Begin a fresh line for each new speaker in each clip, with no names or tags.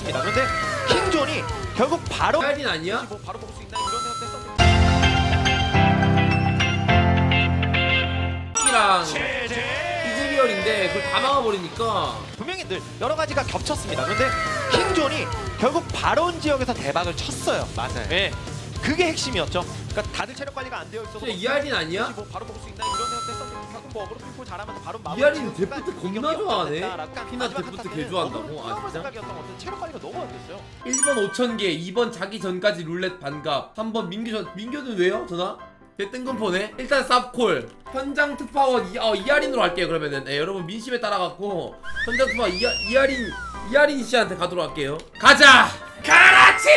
겹쳤습니다. 그런데 킹존이 결국 바로
할인 아니야?
뭐 바로 볼 수 있나 이런 생각도 했었는데
이랑 이즈리얼인데 그걸 다 막아버리니까
분명히 늘 여러 가지가 겹쳤습니다. 그런데 킹존이 결국 바론 지역에서 대박을 쳤어요.
맞아요.
네, 그게 핵심이었죠. 그러니까 다들 체력 관리가 안 되어 있어서
진짜 이 할인 아니야?
뭐 바로 볼 수 있나 이런 생각도 했었는데 결국 뭐 어그로 풀고 잘하면서 바로
이 할인 데프트 겁나 좋아하네. 피나
마지막
데프트
한타는
개 좋아한다고?
어그로
아,
풀어볼
진짜?
생각이었던 것 같은데 체력 관리가 너무 안 됐어요.
1번 5,000개, 2번 자기 전까지 룰렛 반갑, 3번 민규는 왜요? 전화? 걔 뜬금포네? 일단 쌉콜 현장 특파원 이하린으로 할게요. 그러면은 여러분 민심에 따라갖고 현장 특파원 이하린 씨한테 가도록 할게요. 가자! 가라치!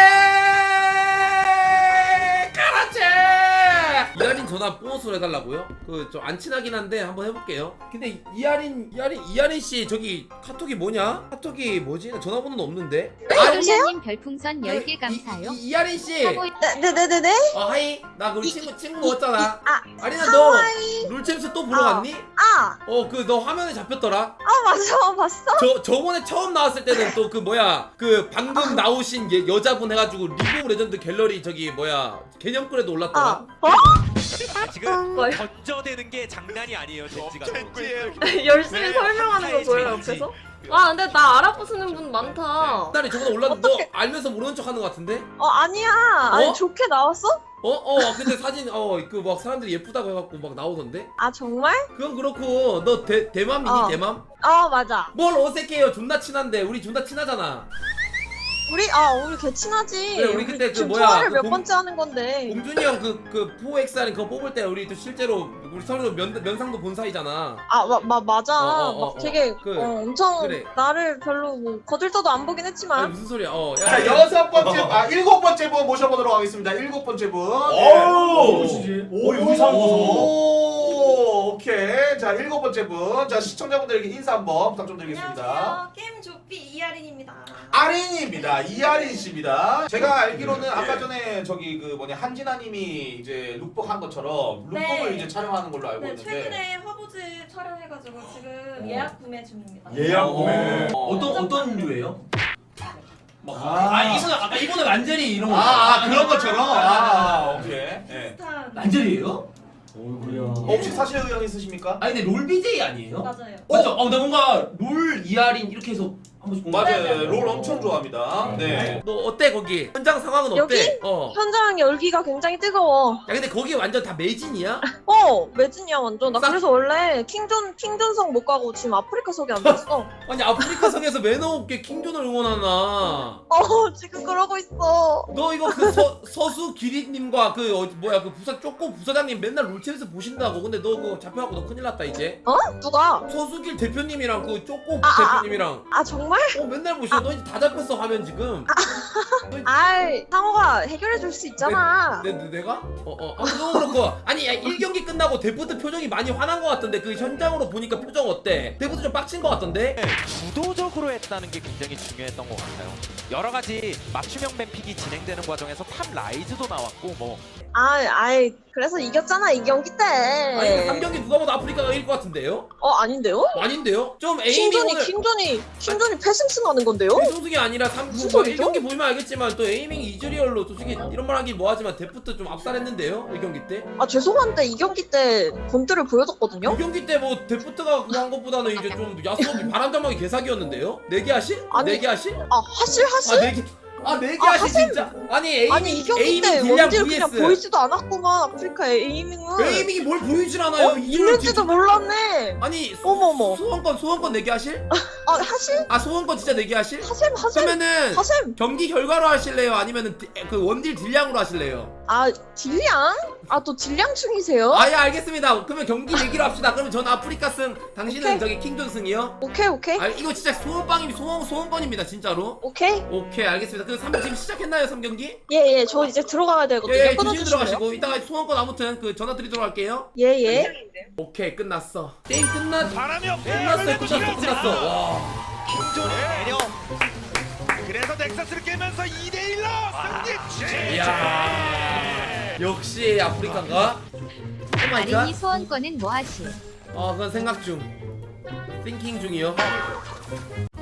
이하린 전화 보너스로 해달라고요? 그 좀 안 친하긴 한데 한번 해볼게요. 근데 이하린 씨 저기 카톡이 뭐냐? 카톡이 뭐지? 나 전화번호는 없는데.
솔라님 별풍선 10개 감사요.
이하린 씨.
네네네네.
하이. 나 우리 친구 먹었잖아. 아리나 너
하와이.
룰챔스 또 보러 갔니? 그 너 화면에 잡혔더라.
맞아, 봤어?
저번에 처음 나왔을 때는 또 그 뭐야 그 방금 나오신 여자분 해가지고 리그 오브 레전드 갤러리 저기 뭐야 개념글에도 올랐더라.
지금 던져대는 게 장난이 아니에요, 젠지가.
열심히 설명하는 거 보여요 옆에서? 아 근데 나 알아보시는 분 많다.
딸이 저번에 올랐는데 너 알면서 모르는 척 하는 거 같은데?
아니야. 아니,
어?
좋게 나왔어?
근데 사진 그 막 사람들이 예쁘다고 해갖고 막 나오던데?
아, 정말?
그건 그렇고 너 대맘이니 대맘?
맞아.
뭘 어색해요. 존나 친한데 우리 존나 친하잖아.
우리 개 친하지.
그래, 우리 그때 그
지금
뭐야,
통화를
그
몇
공-
번째 하는 건데.
공준이 형 그 포엑스 하는 그거 뽑을 때 우리 또 실제로 우리 서로 면상도 본 사이잖아.
맞아. 막 되게
그,
엄청
그래.
나를 별로 뭐 거들떠도 안 보긴
아니
했지만.
무슨 소리야?
자, 일곱 번째 분 모셔보도록 하겠습니다. 일곱 번째 분.
의상
오, 오케이. 자, 일곱 번째 분. 자, 시청자분들에게 인사 한번 부탁 좀 드리겠습니다.
안녕하세요. 게임 조피 이하린입니다.
아린입니다. 이하린 씨입니다. 제가 알기로는 아까 전에 저기 그 한진아님이 이제 룩북 한 것처럼 룩북을
네.
이제 촬영하는 걸로 알고
네,
있는데.
최근에 화보즈 촬영해가지고 지금 예약 구매 중입니다.
예약 구매.
어떤 류예요?
이거는
아까 이거는 란제리 이런
그런 것처럼. 오케이. 네.
비슷한
란제리예요?
어이구야.
혹시 사실 의향 있으십니까?
아니 근데 롤 BJ 아니에요?
맞아요.
맞죠? 근데 뭔가 롤 이하린 이렇게 해서 한 번씩 본 거 같아.
맞아요. 롤 엄청 좋아합니다. 네.
너 어때 거기? 현장 상황은 어때?
여기? 현장 열기가 굉장히 뜨거워.
야 근데 거기 완전 다 매진이야?
매진이야 완전. 나 그래서 원래 킹존성 못 가고 지금 아프리카석에 앉았어.
아니 아프리카 성에서 매너 없게 킹존을 응원하나?
지금 그러고 있어.
너 이거 그 서수 기리님과 그 뭐야 그 부사 부사장님 맨날 롤챔에서 보신다고. 근데 너 그거 잡혀갖고 너 큰일 났다 이제.
누가?
서수길 대표님이랑 그 쪼꼬
아.
대표님이랑
정말?
맨날 보셔. 너 이제 다 잡혔어 화면 지금.
상호가 해결해 줄 수 있잖아.
내가? 그거 그렇고. 아니 야 1경기 끝나고 데프트 표정이 많이 화난 것 같던데 그 현장으로 보니까 표정 어때? 데프트 좀 빡친 것 같던데?
주도적으로 했다는 게 굉장히 중요했던 것 같아요. 여러 가지 맞춤형 뱀픽이 진행되는 과정에서 탑 라이즈도 나왔고 뭐
그래서 이겼잖아 이 경기 때.
아니 3경기 누가 봐도 아프리카가 이길 것 같은데요?
아닌데요?
아닌데요? 좀 에이밍 오늘
킹존이 패승승 하는 건데요?
정승이 아니라
무슨 소리죠?
1경기 보면 알겠지만 또 에이밍 이즈리얼로 솔직히 이런 말 하긴 뭐하지만 데프트 좀 압살했는데요? 1경기 때?
죄송한데 이 경기 때 본드를 보여줬거든요?
2경기 때 뭐 데프트가 그거 한 것보다는 이제 좀 야수업이 바람잡막이 개사기였는데요? 내기 하실?
아니,
내기 하실?
하실?
내기 하실 진짜? 아니
이 경기 때
딜량
원딜 그냥
vs
보이지도 않았구만 아프리카 에이밍은.
에이밍이 뭘 보이질 않아요.
있는지도 몰랐네.
아니
어머머.
소원권 내기 하실?
하실?
소원권 진짜 내기 하실?
하셈.
그러면은
하셈.
경기 결과로 하실래요? 아니면은 그 원딜 딜량으로 하실래요?
딜량? 또 딜량 중이세요?
예 알겠습니다. 그러면 경기 내기로 합시다. 그러면 전 아프리카 승, 당신은
오케이.
저기 킹존 승이요?
오케이.
이거 진짜 소원권입니다 진짜로.
오케이
알겠습니다. 그 지금 시작했나요 3경기?
예 저 이제 들어가야 되거든요.
조심히
끊어주시고요.
들어가시고 이따가 소원권 아무튼 그 전화 드리도록 할게요.
예.
오케이 끝났어. 게임 끝났어.
바람이
끝났어. 와.
킹존의 매력. 그래서 넥서스를 깨면서 2대1로 승리.
이야. 역시 아프리카인가? 오마이갓.
아린이 소원권은 뭐 하실?
그건 생각 중. 띵킹 중이요.